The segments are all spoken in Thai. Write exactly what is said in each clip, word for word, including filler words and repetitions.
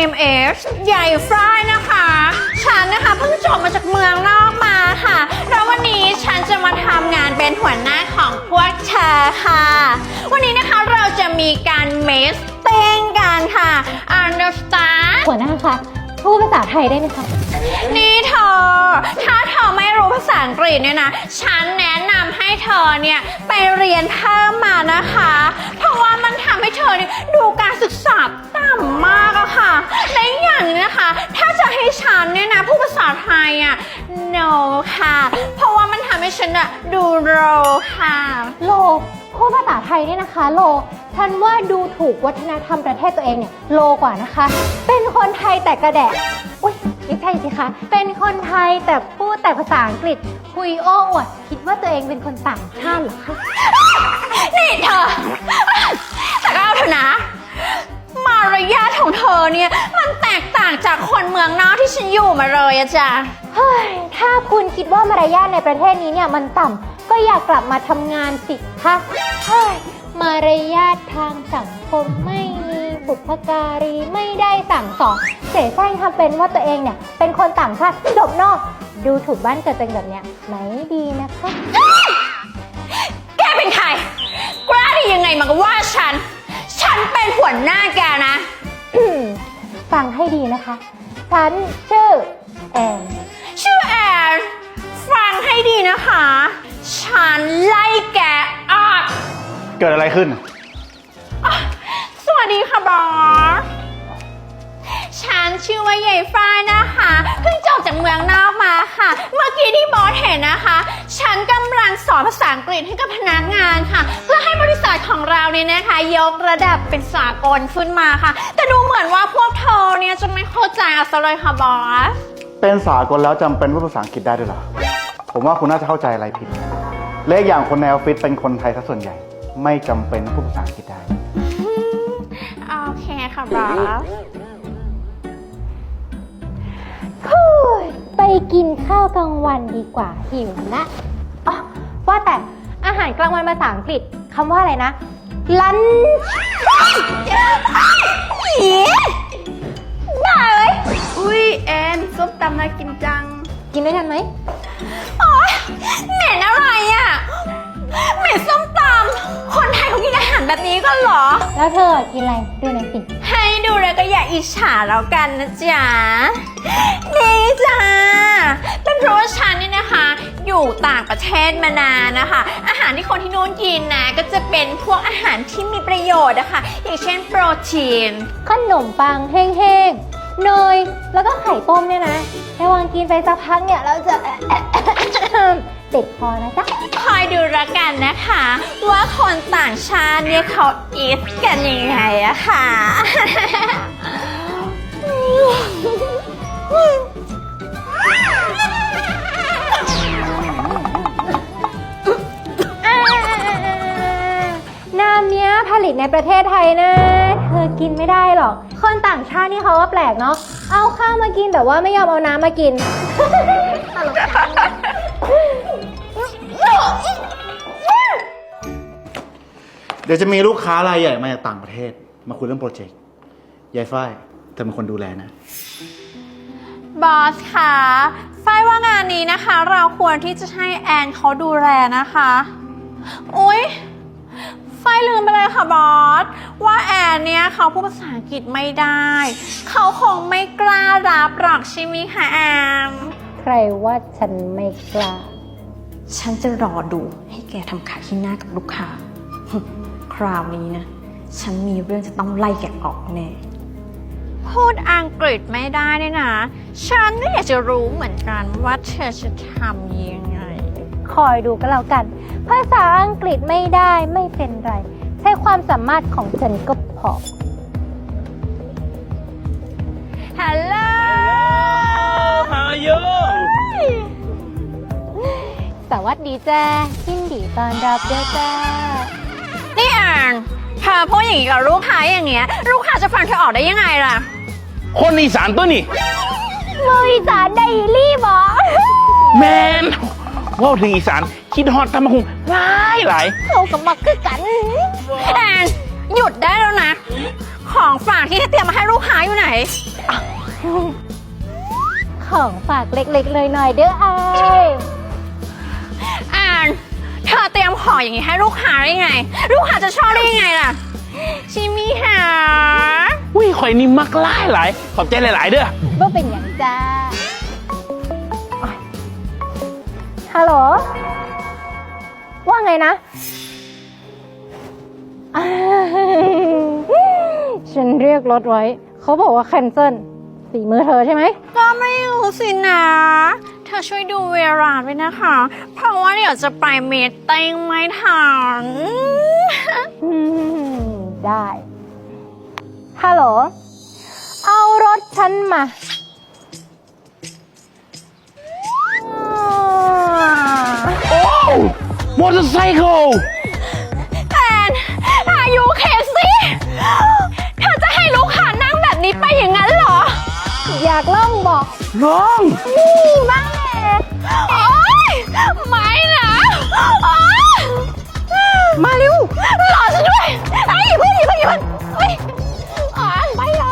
name is ใหญ่ฝ้ายนะคะฉันนะคะเพิ่งจบมาจากเมืองนอกมาค่ะแล้ววันนี้ฉันจะมาทำงานเป็นหัวหน้าของพวกเธอค่ะวันนี้นะคะเราจะมีการเมสเต้งกันค่ะ understand หัวหน้าคะพูดภาษาไทยได้ไหมคะนี่เธอถ้าเธอไม่รู้ภาษาอังกฤษเนี่ยนะฉันแนะนำให้เธอเนี่ยไปเรียนเพิ่มมานะคะเพราะว่ามันทำให้เธอเนี่ยดูการศึกษาต่ำมากอะค่ะและอย่างนี้นะคะถ้าจะให้ฉันเนี่ยนะพูดภาษาไทยอะ no ค่ะเพราะว่ามันทำให้ฉันอะดูโลค่ะโลพูดภาษาไทยเนี่ยนะคะโลฉันว่าดูถูกวัฒนธรรมประเทศตัวเองเนี่ยโลกว่านะคะเป็นคนไทยแต่กระแดะอุ้ยไม่ใช่สิคะเป็นคนไทยแต่พูดแต่ภาษาอังกฤษคุยโอ้อวดคิดว่าตัวเองเป็นคนต่างชาติเหรอคะนี่เธอแต่ก็เอาเถอะนะมารยาทของเธอเนี่ยมันแตกต่างจากคนเมืองนอกที่ฉันอยู่มาเลยอะจ้ะเฮ้ยถ้าคุณคิดว่ามารยาทในประเทศนี้เนี่ยมันต่ำก็อยากกลับมาทำงานสิคะเฮ้ยมารยาททางสังคมไม่มีบุพการีไม่ได้สั่งสอนเสแสร้งทำเป็นว่าตัวเองเนี่ยเป็นคนต่างชาติจบนอกดูถูกบ้านเกิดเป็นแบบเนี้ยไม่ดีนะคะแกเป็นใครกล้าได้ยังไงมาว่าฉันฉันเป็นหัวหน้าแกนะฟังให้ดีนะคะฉันชื่อแอนชื่อแอนฟังให้ดีนะคะฉันไล่แกออกเกิดอะไรขึ้นสวัสดีค่ะบอสฉันชื่อว่าใหญ่ฝ้ายนะคะเพิ่งจบจากเมืองนอกมาค่ะเมื่อกี้ที่บอสเห็นนะคะฉันกำลังสอนภาษาอังกฤษให้กับพนักงานค่ะเพื่อให้บริษัทของเราเนี่ยนะคะยกระดับเป็นสากลขึ้นมาค่ะแต่ดูเหมือนว่าพวกเธอเนี่ยจะไม่เข้าใจอะไรเลยค่ะบอสเป็นสากลแล้วจำเป็นว่าภาษาอังกฤษได้ด้วยเหรอผมว่าคุณน่าจะเข้าใจอะไรผิดเลขอย่างคนในออฟฟิศเป็นคนไทยซะส่วนใหญ่ไม่จำเป็นพูดภาษาอังกฤษได้โอเคค่ะบอสไปกินข้าวกลางวันดีกว่าหิวนะอ๋อว่าแต่อาหารกลางวันภาษาอังกฤษคำว่าอะไรนะ lunch ได้เลยอุ้ยแอนส้มตำน่ากินจังกินได้ทันไหมโอ๊ยเหม็นอะไรอ่ะเหม็นส้มตำคนไทยเขากินอาหารแบบนี้ก็เหรอแล้วเธอกินอะไรดูหน่อยสิให้ดูแล้วก็อย่าอิจฉาแล้วกันนะจ๊ะนี่จ้าเป็นเพราะว่าฉันนี่นะคะอยู่ต่างประเทศมานานนะคะอาหารที่คนที่นู้นกินนะก็จะเป็นพวกอาหารที่มีประโยชน์นะคะอย่างเช่นโปรตีนขนมปังแห้งๆเนยแล้วก็ไข่ต้มเนี่ยนะระหว่างกินไปสักพักเนี่ยเราจะติดคอนะจ๊ะคอยดูละกันนะคะว่าคนต่างชาติเนี่ยเขาอีทกันยังไงอะค่ะน้ำเนี้ยผลิตในประเทศไทยนะเธอกินไม่ได้หรอกคนต่างชาตินี่เขาว่าแปลกเนาะเอาข้าวมากินแต่ว่าไม่ยอมเอาน้ำมากินตลกจังเดี๋ยวจะมีลูกค้ารายใหญ่มาจากต่างประเทศมาคุยเรื่องโปรเจกต์ยายฝ้ายเธอเป็นคนดูแลนะบอสคะฝ้ายว่างานนี้นะคะเราควรที่จะให้แอนเขาดูแลนะคะอุ๊ยฝ้ายลืมไปเลยค่ะบอสว่าแอนเนี่ยเขาพูดภาษาอังกฤษไม่ได้เขาคงไม่กล้ารับหรอกใช่ไหมคะแอนใครว่าฉันไม่กล้าฉันจะรอดูให้แกทำขายที่หน้ากับลูกค้าคราวนี้นะฉันมีเรื่องจะต้องไล่แกออกแน่พูดอังกฤษไม่ได้เนี่ยนะฉันก็อยากจะรู้เหมือนกันว่าเธอจะทำยังไงคอยดูก็แล้วกันภาษาอังกฤษไม่ได้ไม่เป็นไรใช้ความสามารถของฉันก็พอฮัลโหล How are you สวัสดีจ้ายินดีต้อนรับด้วยจ้านี่แอนเธอพูดอย่างนี้กับลูกค้าอย่างเงี้ยลูกค้าจะฟังเธอออกได้ยังไงล่ะคนอีสานตัวนี่บริษัทไดรี่บอแมนว่าถึงอีสานคิดฮอตทำมาคงหลายหลายเขากับมักคือกันแอนหยุดได้แล้วนะของฝากที่เตรียมมาให้ลูกค้าอยู่ไหนของฝากเล็กๆเลยหน่อยๆเด้ออายแอนเธอเตรียมของอย่างนี้ให้ลูกค้าได้ไง ลูกค้าจะชอบได้ยังไงล่ะ ชิมิหาอุ้ยข่อยนี่มักหลายหลายขอบใจหลายๆเด้อว่าเป็นอย่างจ้าฮัลโหล ว่าไงนะ อ่าฉันเรียกรถไว้ เขาบอกว่าแคนเซิลสีมือเธอใช่ไหมก็ไม่รู้สินะ เธอช่วยดูเวลาด้วยนะคะ เพราะว่าเดี๋ยวจะไปเมตติ้งไม่ทันอืม ได้ ฮัลโหล เอารถฉันมาโอ้มอเตอร์ไซค์แอนอายุเคสิเธอจะให้ลูกค้านั่งแบบนี้ไปอย่างนั้นเหรออยากล่องบอกน้องนี่บ้างแหละโอ๊ยไม่นะโอ๊ยมาเร็วรอฉันด้วยไอ้ยเพื่อนอย่าเพิ่งอย่าเพิ่งเฮ้ยอ๋อไปเลย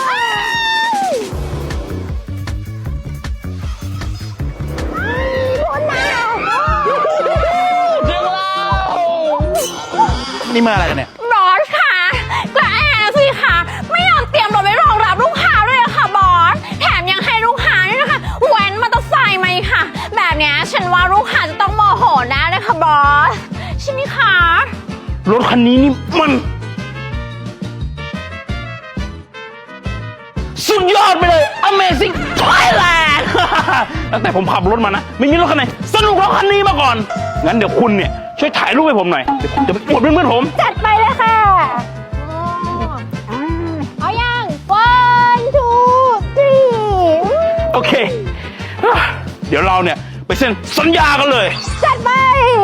นี่มาอะไรกันเนี่ยบอสค่ะกระแอนสิค่ะ ไม่ยอมเตรียมรถไว้รองรับลูกค้าด้วยอะค่ะบอส แถมยังให้ลูกค้าด้วยนะคะแว้นมอเตอร์ไซค์มาอีกค่ะ แบบเนี้ยฉันว่าลูกค้าจะต้องโมโหแน่เลยค่ะบอส ใช่ไหมคะรถคันนี้นี่มัน สุดยอดไปเลย Amazing Thailand ตั้งแต่ผมขับรถมานะ ไม่มีรถคันไหนสนุกรถคันนี้มาก่อน งั้นเดี๋ยวคุณเนี่ย ช่วยถ่ายรูปให้ผมหน่อย เดี๋ยวผมจะไปอวดเพื่อนๆผมจัดไปเลยค่ะเอายัง one two three โอเค เดี๋ยวเราเนี่ย ไปเซ็นสัญญากันเลยจัดไป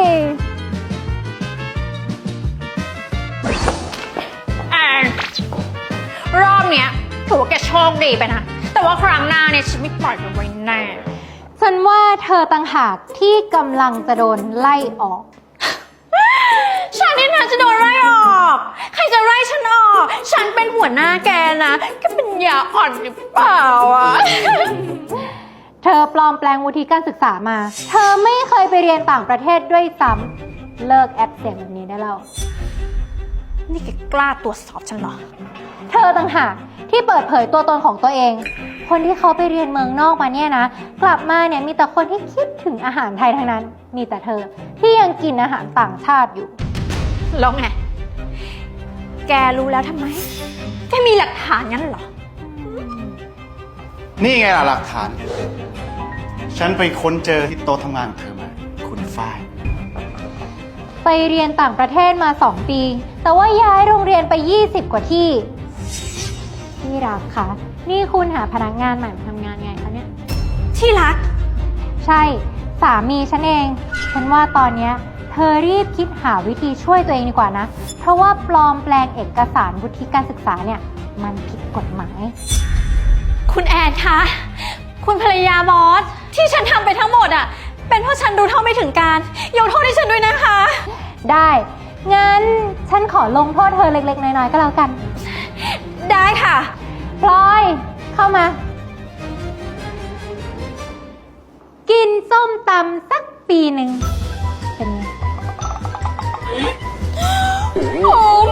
แอนรอบเนี้ยถือว่าแกโชคดีไปนะ แต่ว่าครั้งหน้าเนี่ยฉันไม่ปล่อยแกไว้แน่ฉันว่าเธอต่างหากที่กำลังจะโดนไล่ออกฉันนี่นะจะโดนไล่ออก ใครจะไล่ฉันออก ฉันเป็นหัวหน้าแกนะแกเป็นยาอ่อนหรือเปล่าอ่ะเธอปลอมแปลงวุฒิการศึกษามา เธอไม่เคยไปเรียนต่างประเทศด้วยซ้ำ เลิกแอปเสียงแบบนี้ได้แล้วนี่แกกล้าตรวจสอบฉันเหรอเธอต่างหากที่เปิดเผยตัวตนของตัวเอง คนที่เขาไปเรียนเมืองนอกมาเนี่ยนะ กลับมาเนี่ยมีแต่คนที่คิดถึงอาหารไทยทั้งนั้น มีแต่เธอที่ยังกินอาหารต่างชาติอยู่แล้วไง แกรู้แล้วทำไม แกมีหลักฐานงั้นเหรอนี่ไงล่ะหลักฐาน ฉันไปค้นเจอที่โต๊ะทำงานของเธอมา คุณฝ้ายไปเรียนต่างประเทศมาสองปี แต่ว่าย้ายโรงเรียนไปยี่สิบกว่าที่ที่รักคะนี่คุณหาพนักงานใหม่มาทำงานไงคะเนี่ยที่รักใช่ สามีฉันเอง ฉันว่าตอนเนี้ยเธอรีบคิดหาวิธีช่วยตัวเองดีกว่านะ เพราะว่าปลอมแปลงเอกสารวุฒิการศึกษาเนี่ย มันผิดกฎหมายคุณแอนคะ คุณภรรยาบอส ที่ฉันทำไปทั้งหมดอ่ะ เป็นเพราะฉันรู้เท่าไม่ถึงการ ยกโทษให้ฉันด้วยนะคะได้ งั้นฉันขอลงโทษเธอเล็กๆ น้อยๆ ก็แล้วกันได้ค่ะพลอย เข้ามา กินส้มตำสักปีหนึ่งเป็นไงโอ้